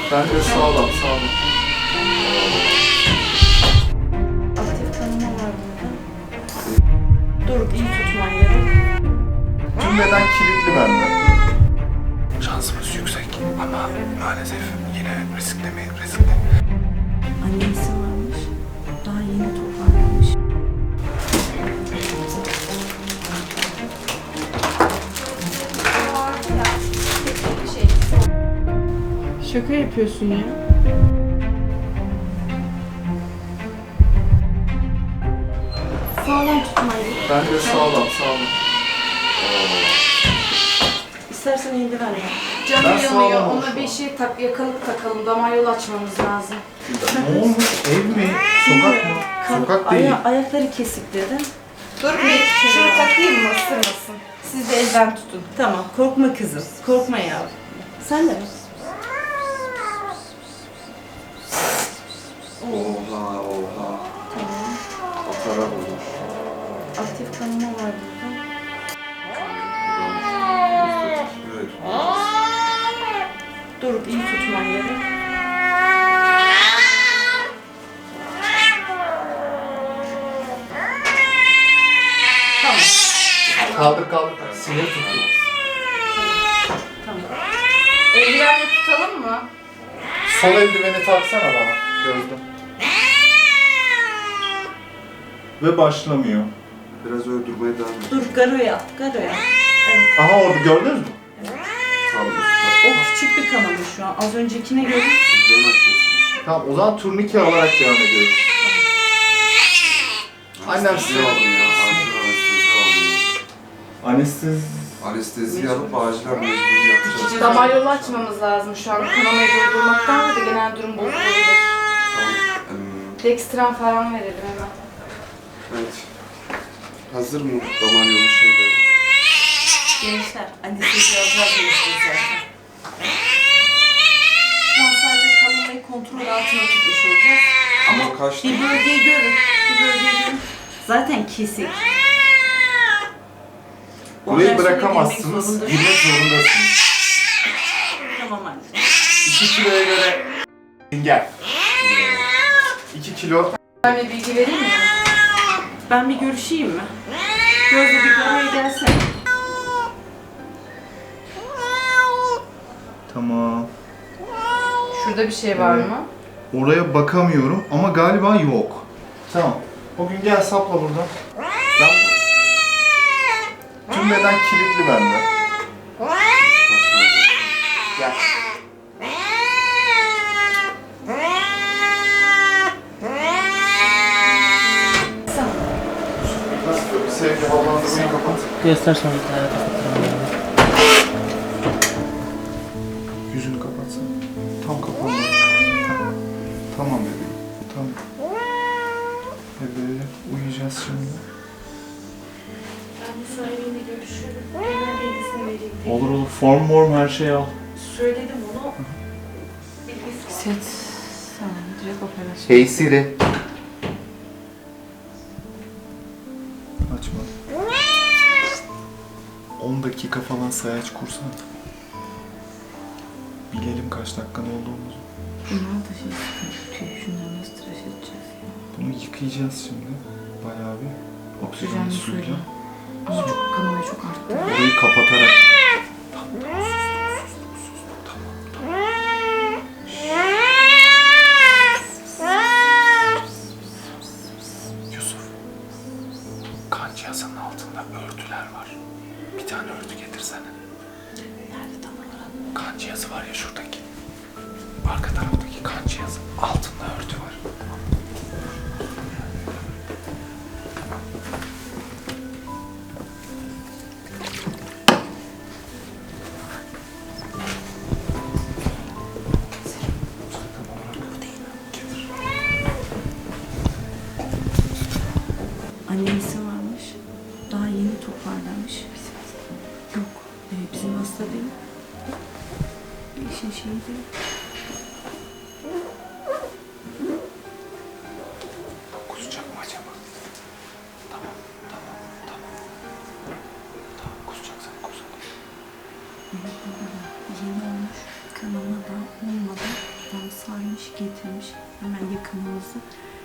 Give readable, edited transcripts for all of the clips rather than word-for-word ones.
Bence sağlam. Aktif tanıma var burada. Dur, iyi tutman gerek. Tüm beden kilitli bende. Şansımız yüksek ama maalesef yine riskli. Annesi varmış. Daha yeni toparlanmış. Şaka yapıyorsun ya. Sağlam tutman gerek. Bence sağlam. İstersen eldiven ver. Canım Ben yanıyor. sağlam Ona olsun. bir şey yakalık takalım. Damar yolu açmamız lazım. Ne olmuş? Ev mi? Sokak mı? Sokak değil. Ayakları kesik dedi. Dur bir şunu takayım mı? Isırmasın. Siz de elden tutun. Tamam, korkma kızım. Korkma yavrum. Sen de mi? Oha. Tamam. Atara bulmuş. Aktif tanıma var burada. Evet. Dur, iyi tutman gerek. Tamam. Kaldır. Sinir tuttu. Tamam. Eldivenle tutalım mı? Sol eldiveni taksana bana. Gözüm. Ve başlamıyor. Biraz öldürmeye devam et. Dur, garoya at. Evet. Aha orada gördünüz mü? Tam üstte. O küçük bir kanama şu an. Az öncekine göre. Bizden açıyorsun. Tamam o zaman turnike alarak devam ediyoruz. Annem Anestezi size aldım ya. Acil anestezi aldım. Anestezi. Anesteziyi alıp acilen mecbur yapacağız. Damar yolu açmamız lazım şu an. Kanamayı durdurmaktan da genel durum bozulabilir. Tamam. Dextran falan verelim hemen. Evet. Hazır mı damar yolu şeyleri? Gençler, anestezi alacağız diyorsunuz zaten. Şu an sadece kanamayı kontrol altına tutmuş olacağız. Ama kaç Bir bölgeyi görün. Zaten kesik. Burayı Ondan sonra bırakamazsınız. girmek zorunda. Girmek zorundasınız. Tamam anne. 2 kiloya göre gel. 2 kilo. Ben bir bilgi vereyim mi? Ben bir görüşeyim mi? Gözde bir buraya gelsene. Tamam. Şurada bir şey var mı? Oraya bakamıyorum ama galiba yok. Tamam. O gün gel sapla buradan. Ben... Tüm beden kilitli bende. Gel. Nasıl? Bir sevgi havalandırmayı kapat. Göster sonra bir tane kapatırım. Yüzünü kapatsana. Tam kapalı. Tamam bebeğim. Tamam. Bebeğim uyuyacağız şimdi. Ben bu sahibiyle görüşürüm. Hemen bilgisini vereyim. Olur. Form her şeyi al. Söyledim onu. Bilgisi var. Set. Tamam, direkt operasyon. Hey Siri. Açma. 10 dakika falan sayaç kursan. Bilelim kaç dakikan olduğumuzu. Bunlar da şey sıkıntı. Şunları nasıl tıraş edeceğiz ya? Bunu yıkayacağız şimdi. Bayağı bir. Oksijenli Oksijenli suyla. suyla. Ama çok kanamayı çok arttı. Orayı kapatarak. Yusuf, kan cihazının altında örtüler var. Bir tane örtü getirsene. Nerede tam olarak? Kan cihazı var ya şuradaki. Arka taraftaki kan cihazı. Altında örtü var. Annesi varmış. Daha yeni toparlanmış. Yok. Bizim hasta değil. İşin şeyi değil. getirmiş. Hemen yakınımızda.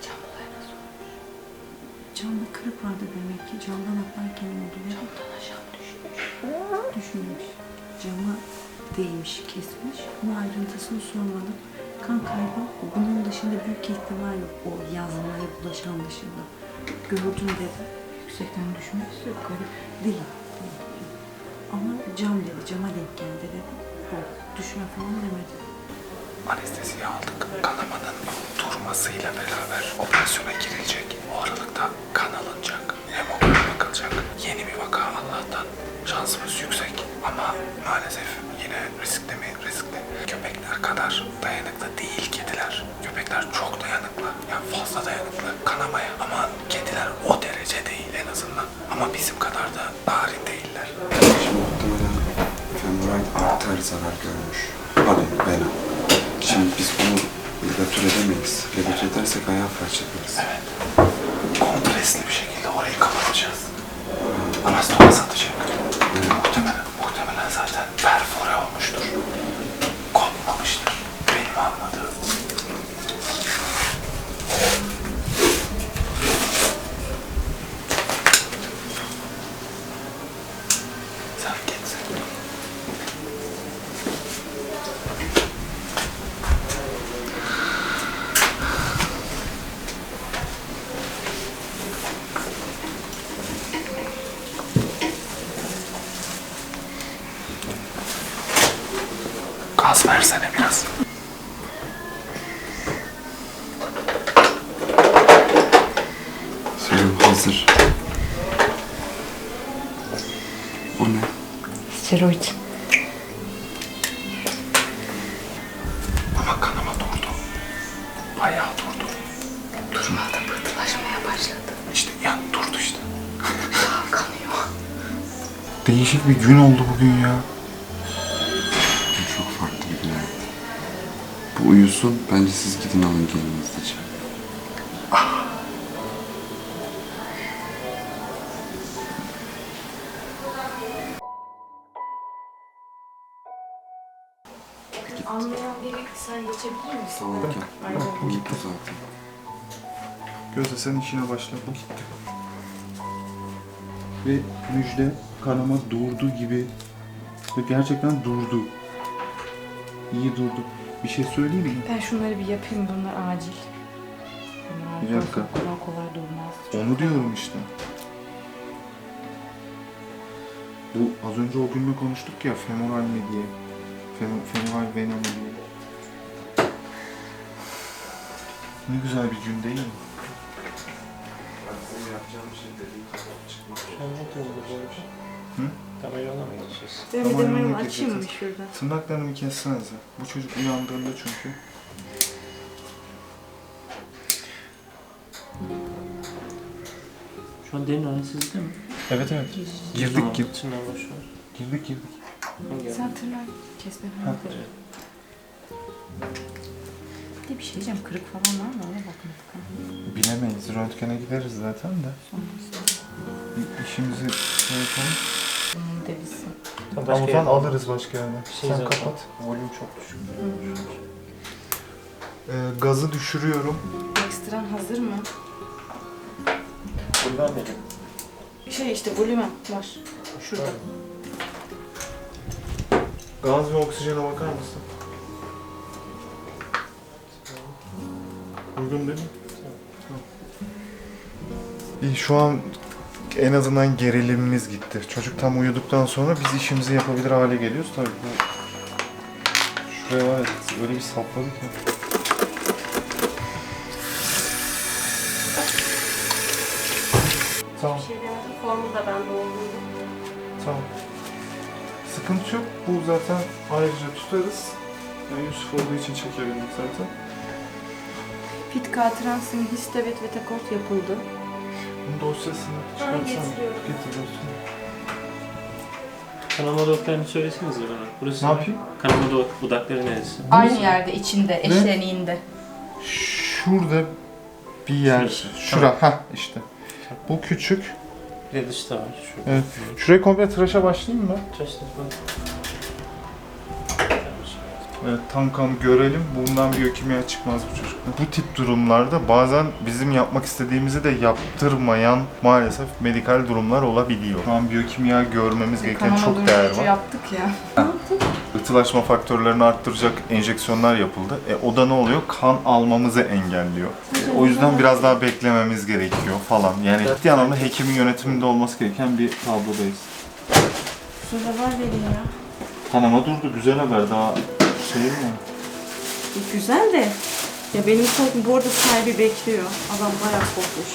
Camda kırık vardı demek ki. Camdan atlarken oldu. Camdan aşağı düşmüş. Cama değmiş, kesmiş. Ama ayrıntısını sormadım. Kan kaybı bunun dışında büyük ihtimal yok. O yazmaya bulaşan dışında. Gördüm dedi. Yüksekten düşmesi yukarı değil. Ama cam dedi. Cama denk geldi dedi. O düşme falan demedi. Anesteziyi aldık. Kanamanın durmasıyla beraber operasyona girilecek. O aralıkta kan alınacak. Hemoglobin bakılacak. Yeni bir vaka Allah'tan. Şansımız yüksek. Ama maalesef yine riskli mi? Riskli. Köpekler kadar dayanıklı değil kediler. Köpekler çok dayanıklı. Yani fazla dayanıklı kanamaya. Ama kediler o derece değil en azından. Ama bizim kadar da narin değiller. Şimdi muhtemelen femoral arter zarar görmüş. Hadi vena. Şimdi biz bunu ligatür edemeyiz. Ligatür edersek ayağı parçalarız. Evet. Kompresli bir şekilde orayı kapatacağız. Anastomo satacak. Muhtemelen zaten perfore olmuştur. Kopmamıştır. Benim anladığım. Sen gitsin. Gaz versene biraz. Serum hazır. O ne? Steroid. Ama kanama durdu. Bayağı durdu. Durmadı, pıhtılaşmaya başladı. İşte yani durdu işte. Kanıyor. Değişik bir gün oldu bugün ya. Çok farklı bir gün. Bu uyusun. Bence siz gidin alın kendiniz. Anlayan biri sen geçebilir misin? Tamam gel. Aynen. Bu gitti zaten. Gözde sen işine başla. Bu gitti. Ve müjde kanama durdu gibi. Ve gerçekten durdu. İyi durdu. Bir şey söyleyeyim mi? Ben şunları bir yapayım. Bunlar acil. Bir dakika. Kolay kolay durmaz. Onu diyorum işte. Bu az önce o günle konuştuk ya, femoral mi diye. Femoral vena mı diye. Ne güzel bir gün değil mi? Hı? Kamera mı geçeceğiz? Ben bir Tamam, demeyi onu açayım mı gireceğiz. şurada? Tırnaklarını bir kessenize. Bu çocuk uyandığında çünkü. Şu an derin anestezide mi? Evet evet. Girdik Tamam, girdik. içinden boş ver. Girdik. Hangi Sen tırnak kesme falan. Bir de bir şey diyeceğim. Kırık falan var mı? Ona bakmadık. Ha. Bilemeyiz. Röntgene gideriz zaten de. Sonrasında. Bir işimizi şey yapalım. Bunun devisi. Tamam falan alırız başka yerden. Şey Sen zaten. kapat. Volüm çok düşük. Gazı düşürüyorum. Ekstran hazır mı? Buradan dedim. Şey işte volümen var. Şurada. Gaz ve oksijene bakar mısın? Uygun değil mi? Tamam. İyi, şu an en azından gerilimimiz gitti. Çocuk tam uyuduktan sonra biz işimizi yapabilir hale geliyoruz. Tabii bu... Şuraya var ya, öyle bir sapladık ya. Tamam. Bir şey demedim. Formu da ben doldurdum. Tamam. Sıkıntı yok. Bu zaten ayrıca tutarız. Yani Yusuf olduğu için çekebildik zaten. Pit katransin histavet ve takort yapıldı. Bunun dosyasını çıkartsana. getiriyorum. Getir dosyayı. Kanama dudaklarını söylesenize bana. Burası Ne yapayım? Kanama dudakları neresi? Aynı yerde, içinde, eşleniğinde. Şurada bir yer. Şurası. Şura. Hah işte. Bu küçük. Bir de dışta var. Şu. Evet. Şurayı komple tıraşa başlayayım mı? Tıraşlar bak. Evet, tam kan görelim. Bundan biyokimya çıkmaz bu çocukta. Bu tip durumlarda bazen bizim yapmak istediğimizi de yaptırmayan maalesef medikal durumlar olabiliyor. Şu an biyokimya görmemiz gereken çok değer var. yaptık ya. Itılaşma faktörlerini arttıracak enjeksiyonlar yapıldı. O da ne oluyor? Kan almamızı engelliyor. O yüzden biraz daha beklememiz gerekiyor falan. Yani ciddi anlamda hekimin yönetiminde olması gereken bir tablodayız. Şurada var vereyim ya. Kanama durdu. Güzel haber. Daha şey mi? Güzel de. Ya benim korkum bu arada sahibi bekliyor. Adam bayağı korkmuş.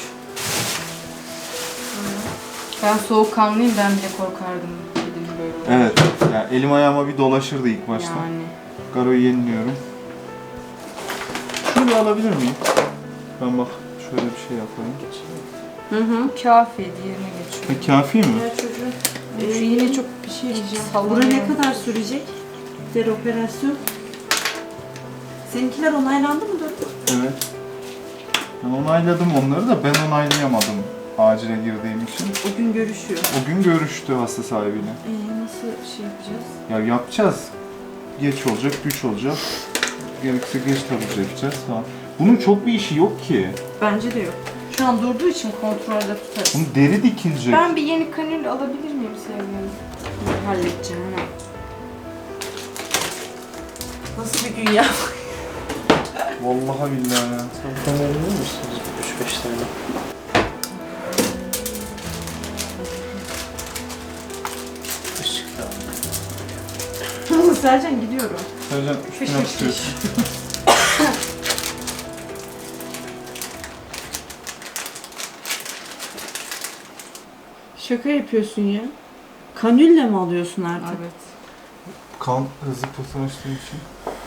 Ben soğukkanlıyım, ben bile korkardım dedim böyle. Evet. Yani elim ayağıma bir dolaşırdı ilk başta. Yani. Garoyu yeniliyorum. Şunu bir alabilir miyim? Ben bak şöyle bir şey yapayım. Hı hı. Kafi, diğerine geçiyor. Kafi mi? Ya çocuğun Şu yine çok bir şey diyeceğim. bura ne kadar sürecek? Der operasyon. Seninkiler onaylandı mı Doruk? Evet. Ben onayladım onları da ben onaylayamadım acile girdiğim için. O gün görüşüyor. O gün görüştü hasta sahibiyle. Nasıl şey yapacağız? Ya yapacağız. Geç olacak, güç olacak. Gerekirse geç taburcu edeceğiz falan. Bunun çok bir işi yok ki. Bence de yok. Şu an durduğu için kontrolde tutarız. Bunun deri dikilecek. Ben bir yeni kanül alabilir miyim sevgilim? Halledeceğim hemen. Nasıl bir gün ya? Vallahi billahi ya. Sen verebilir misiniz? 3-5 tane. Işık da Sercan gidiyorum. Sercan üstüne tutuyorsun. Şaka yapıyorsun ya. Kanülle mi alıyorsun artık? Evet. Kan hızlı pıhtılaştığı için.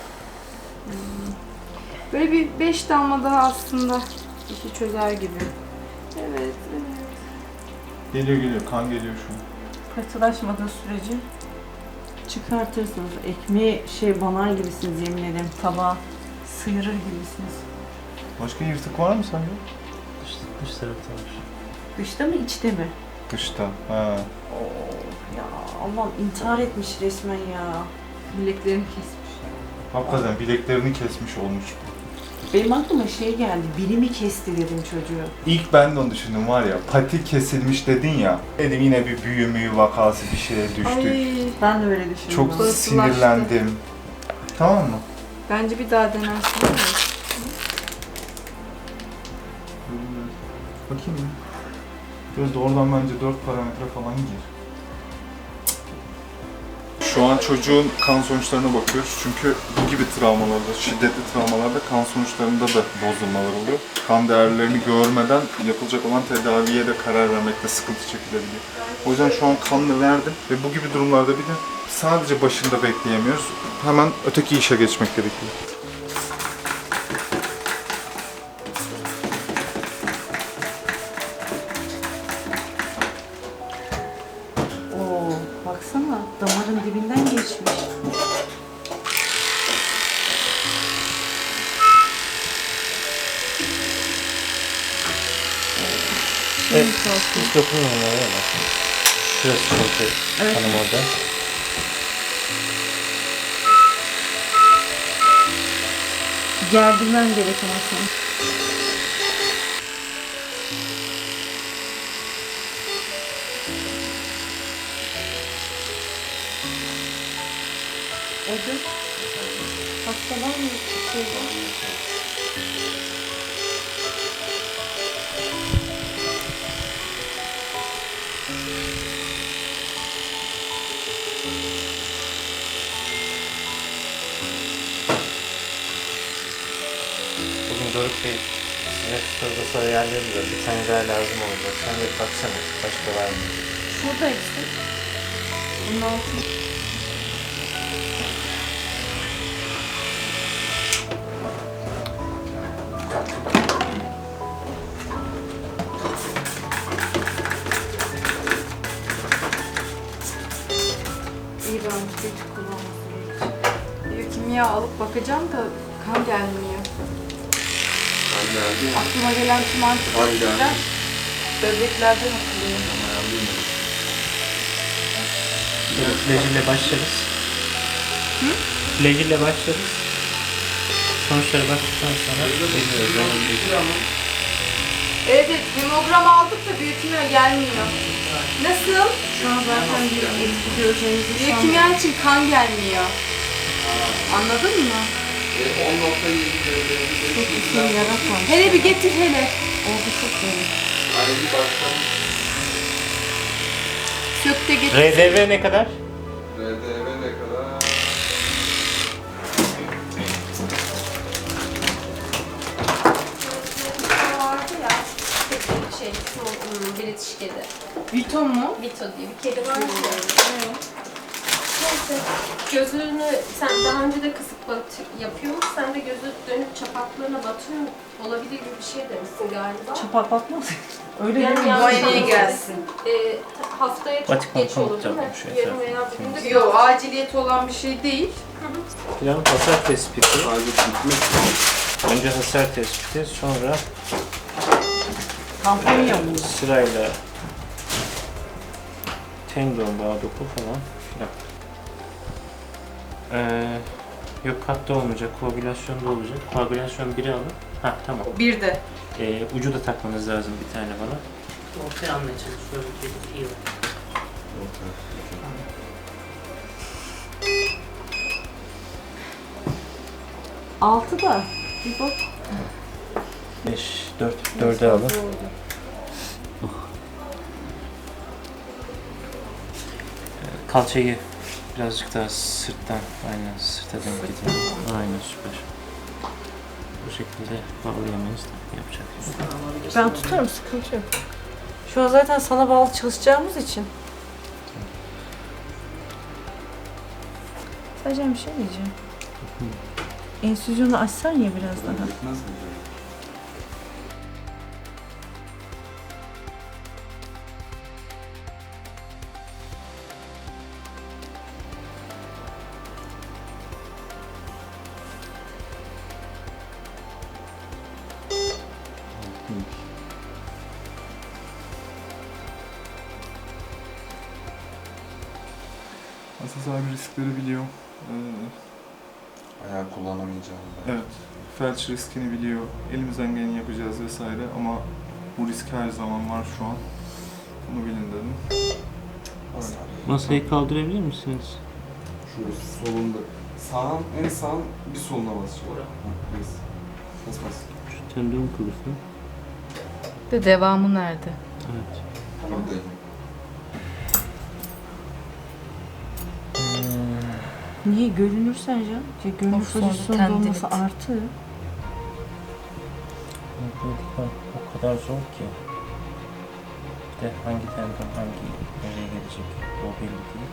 Böyle bir 5 damla daha aslında işi çözer gibi. Evet, evet. Geliyor kan geliyor şu an. Katılaşmadığı sürece çıkartırsınız. Ekmeği banar gibisiniz yemin ederim. Tabağa sıyırır gibisiniz. Başka yırtık var mı sende? dış tarafta var. Dışta mı içte mi? Dışta. Ha. Ya Allah'ım intihar etmiş resmen ya. Bileklerini kesmiş. Hakikaten bileklerini kesmiş olmuş. Benim aklıma geldi. Biri mi kesti dedim çocuğu. İlk ben de onu düşündüm var ya, pati kesilmiş dedin ya. Dedim yine bir büyü müyü vakası bir şeye düştük. Ay, Ben de öyle düşündüm. Çok Pıhtılaştı. sinirlendim. Tamam mı? bence bir daha denersin değil mi? Bakayım mı? Biraz da oradan bence 4 parametre falan gir. Şu an çocuğun kan sonuçlarına bakıyoruz çünkü bu gibi travmalarda, şiddetli travmalarda kan sonuçlarında da bozulmalar oluyor. Kan değerlerini görmeden yapılacak olan tedaviye de karar vermekte sıkıntı çekilebiliyor. O yüzden şu an kanını verdim ve bu gibi durumlarda bir de sadece başında bekleyemiyoruz. Hemen öteki işe geçmek gerekiyor. Oo, baksana damarın dibinden geçmiş. Evet. Hiç dokunmuyorum oraya bak. Şurası çünkü kanım orada. Gerdirmem gerek ama sana. Orada hasta var mı? Şey var mı? Bugün Doruk Bey size tutarda sonra yerleri de bir tane daha lazım olacak. Sen de baksana başka var mı? Şurada eksik. Bunun altı. İyi ben hiç kullanmasın hiç. Biyokimya alıp bakacağım da kan gelmiyor. Ben geldim. Aklıma gelen tüm antibiyotikler böbreklerden atılıyor. Lejiyle başlarız. süreciyle başladık. Sonuçlara baktıktan sonra bekliyoruz. Evet, hemogram aldık da biyokimya gelmiyor. Nasıl? Şu an zaten bir etki göreceğinizi sanmıyorum. Biyokimya için kan gelmiyor. Anladın mı? 10.7 Çok isim yaratmamış. Hele bir getir hele. Oldu çok iyi. Sök de getir. RDV ne kadar? RDV ne kadar? Vardı ya. Şey, British kedi. Vito mu? Vito diye bir kedi var ya. Neyse. Gözünü sen daha önce de kısık yapıyor musun? Sen de gözü dönüp çapaklarına batıyor olabilir gibi bir şey demişsin galiba. Çapak bakmaz. Öyle Yani değil mi? yanlış Muayeneye anlamışsın. gelsin. Haftaya çok Vatikan geç olur değil mi? pamuk yapmış Yarın veya bugün de Yok, aciliyeti olan bir şey değil. Plan hasar tespiti. Sadece bitmek. Önce hasar tespiti, sonra Kampanya mı? sırayla tendon, bağ doku falan filan. Yok katta olmayacak, koagülasyonda olacak. Koagülasyon biri alın. Ha tamam. Bir de. Ucu da takmanız lazım bir tane bana. Ortaya almaya çalışıyorum. İyi oldu. 6 da. Bir bak. 5, 4'e alın. Kalçayı birazcık daha sırttan, aynen sırta denk getirin. Aynen süper. Bu şekilde bağlayamayız da yapacak. Ben tutarım, sıkıntı yok. Şu an zaten sana bağlı çalışacağımız için. Sadece bir şey diyeceğim. Enstitüsyonu açsan ya biraz daha. Bitmez mi? Hasta sahibi riskleri biliyor. Ayağı kullanamayacağım ben. Evet, felç riskini biliyor. Elimizden geleni yapacağız vesaire ama bu risk her zaman var şu an. Bunu bilin dedim. Hasar. Masayı kaldırabilir misiniz? Şurası solunda. Sağın, en sağın bir soluna basacağım. Bas. Bas bas. Şu tendon kılıfı. De devamı nerede? Evet. Buradayım. Niye görünürsen canım? Ya görünür Of, sonra pozisyonda olması tendinit. artı. O kadar zor ki. Bir de hangi tendon nereye gelecek o belli değil.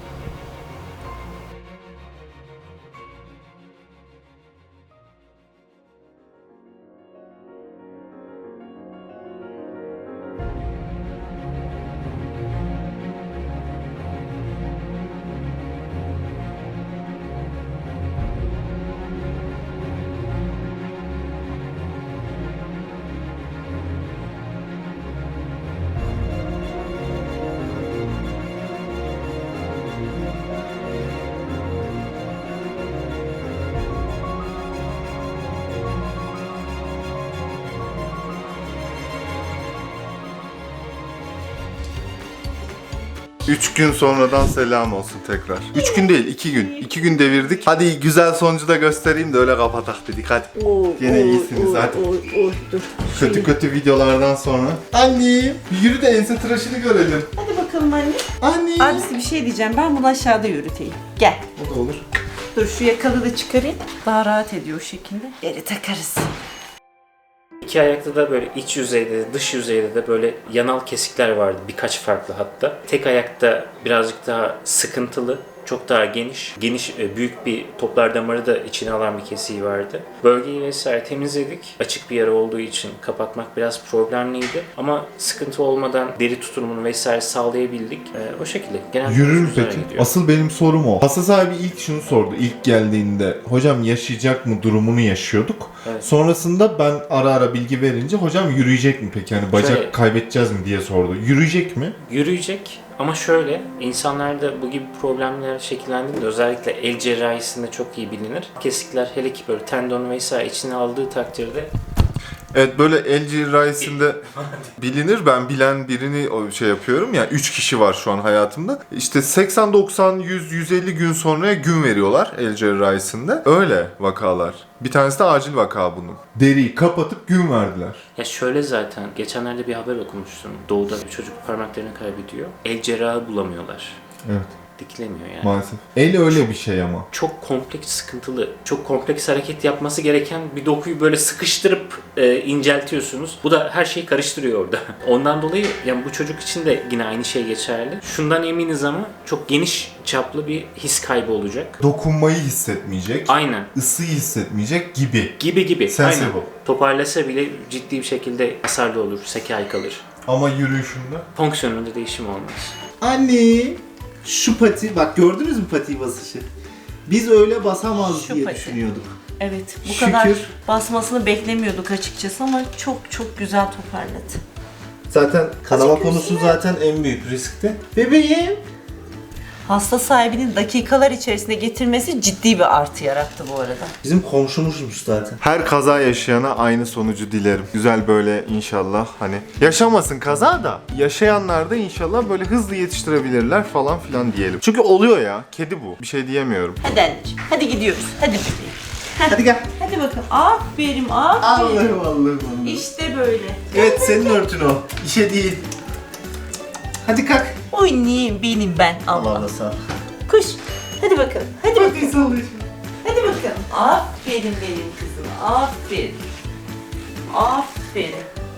Üç gün sonradan selam olsun tekrar. 3 gün değil, 2 gün. 2 gün devirdik. Hadi güzel sonucu da göstereyim de öyle kapatak dedik hadi. Yine iyisiniz hadi. Dur. Kötü videolardan sonra. Annem, yürü de ense tıraşını görelim. Hadi bakalım anne. Anne. Abisi bir şey diyeceğim. Ben bunu aşağıda yürüteyim. Gel. O da olur. Dur şu yakalı da çıkarayım. Daha rahat ediyor o şekilde. Geri takarız. İki ayakta da böyle iç yüzeyde de dış yüzeyde de böyle yanal kesikler vardı birkaç farklı hatta. Tek ayakta birazcık daha sıkıntılı, çok daha geniş, büyük bir toplar damarı da içine alan bir kesiği vardı. Bölgeyi vesaire temizledik. Açık bir yara olduğu için kapatmak biraz problemliydi ama sıkıntı olmadan deri tutumunu vesaire sağlayabildik. O şekilde. Genel Yürür mü güzel peki? gidiyor. Asıl benim sorum o. Hasta sahibi ilk şunu sordu. İlk geldiğinde hocam yaşayacak mı durumunu yaşıyorduk. Evet. Sonrasında ben ara ara bilgi verince hocam yürüyecek mi peki? Hani bacak Şöyle- kaybedeceğiz mi diye sordu. Yürüyecek mi? Yürüyecek Ama şöyle, insanlarda bu gibi problemler şekillendiğinde özellikle el cerrahisinde çok iyi bilinir. Kesikler hele ki böyle tendon vesaire içine aldığı takdirde Evet, böyle el cerrahisinde bilinir. Ben bilen birini şey yapıyorum. Yani 3 kişi var şu an hayatımda. İşte 80, 90, 100, 150 gün sonraya gün veriyorlar el cerrahisinde. Öyle vakalar. Bir tanesi de acil vaka bunun. Deriyi kapatıp gün verdiler. ya şöyle zaten geçenlerde bir haber okumuştum. Doğuda bir çocuk parmaklarını kaybediyor. El cerrahı bulamıyorlar. Evet. Dikilemiyor yani. Maalesef. El öyle bir şey ama. Çok kompleks, sıkıntılı, çok kompleks hareket yapması gereken bir dokuyu böyle sıkıştırıp inceltiyorsunuz. Bu da her şeyi karıştırıyor orada. Ondan dolayı yani bu çocuk için de yine aynı şey geçerli. Şundan eminiz ama çok geniş çaplı bir his kaybı olacak. Dokunmayı hissetmeyecek. Aynen. Isıyı hissetmeyecek gibi. Gibi. Sensible. Aynen. Toparlasa bile ciddi bir şekilde hasarlı olur, sekel kalır. Ama yürüyüşünde. Fonksiyonunda değişim olmaz. Anne, şu pati, bak gördünüz mü patiyi basışı? Biz öyle basamaz Şu diye pati. düşünüyorduk. Evet, bu Şükür. kadar basmasını beklemiyorduk açıkçası ama çok güzel toparladı. Zaten kanama Azıcık konusu üstüne. zaten en büyük riskti. Bebeğim. Hasta sahibinin dakikalar içerisinde getirmesi ciddi bir artı yarattı bu arada. Bizim komşumuzmuş zaten. Her kaza yaşayana aynı sonucu dilerim. Güzel böyle inşallah hani yaşamasın kaza da yaşayanlar da inşallah böyle hızlı yetiştirebilirler falan filan diyelim. Çünkü oluyor ya. Kedi bu. Bir şey diyemiyorum. Hadi anneciğim, hadi gidiyoruz. Hadi bebeğim. Hadi gel. Hadi bakalım. Aferin, aferin. Allah'ım. İşte böyle. Evet, senin örtün o. İşe değil. Hadi kalk. Oynayayım benim ben. Allah Allah. Allah sağ ol. Kuş. Hadi bakalım. Hadi bakalım. Hadi bakalım. Aferin benim kızım. Aferin. Aferin.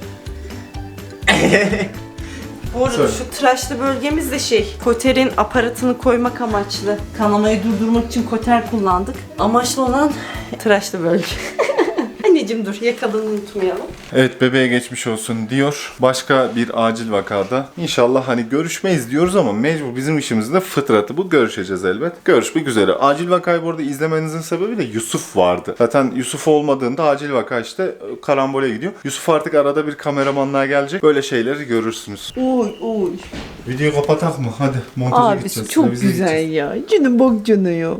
Bu arada Söyle. şu tıraşlı bölgemiz de koterin aparatını koymak amaçlı. Kanamayı durdurmak için koter kullandık. Amaçlı olan tıraşlı bölge. Anneciğim dur, yakalığını unutmayalım. Evet, bebeğe geçmiş olsun diyor. Başka bir acil vakada inşallah hani görüşmeyiz diyoruz ama mecbur bizim işimizin de fıtratı bu. Görüşeceğiz elbet. Görüşmek üzere. Acil vakayı bu arada izlemenizin sebebi de Yusuf vardı. Zaten Yusuf olmadığında acil vaka işte karambole gidiyor. Yusuf artık arada bir kameramanlığa gelecek. Böyle şeyleri görürsünüz. Oy. Videoyu kapatak mı? Hadi montaja gideceğiz. Revize gideceğiz. ya. Canım bak canı ya.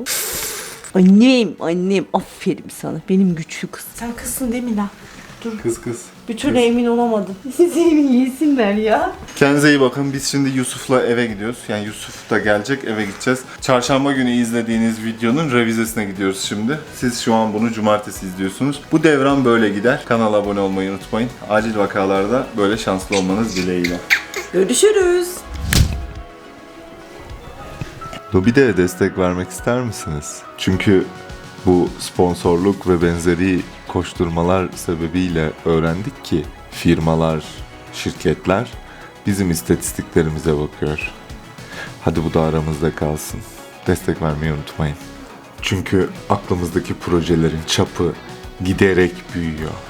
Annem aferin sana. Benim güçlü kız. Sen kızsın değil mi lan? Kız. Bir türlü emin olamadım. Seni yesinler ya. Kendinize iyi bakın. Biz şimdi Yusuf'la eve gidiyoruz. Yani Yusuf da gelecek, eve gideceğiz. Çarşamba günü izlediğiniz videonun revizesine gidiyoruz şimdi. Siz şu an bunu cumartesi izliyorsunuz. Bu devran böyle gider. Kanala abone olmayı unutmayın. Acil vakalarda böyle şanslı olmanız dileğiyle. Görüşürüz. Lobide'ye destek vermek ister misiniz? Çünkü bu sponsorluk ve benzeri koşturmalar sebebiyle öğrendik ki firmalar, şirketler bizim istatistiklerimize bakıyor. Hadi bu da aramızda kalsın. Destek vermeyi unutmayın. Çünkü aklımızdaki projelerin çapı giderek büyüyor.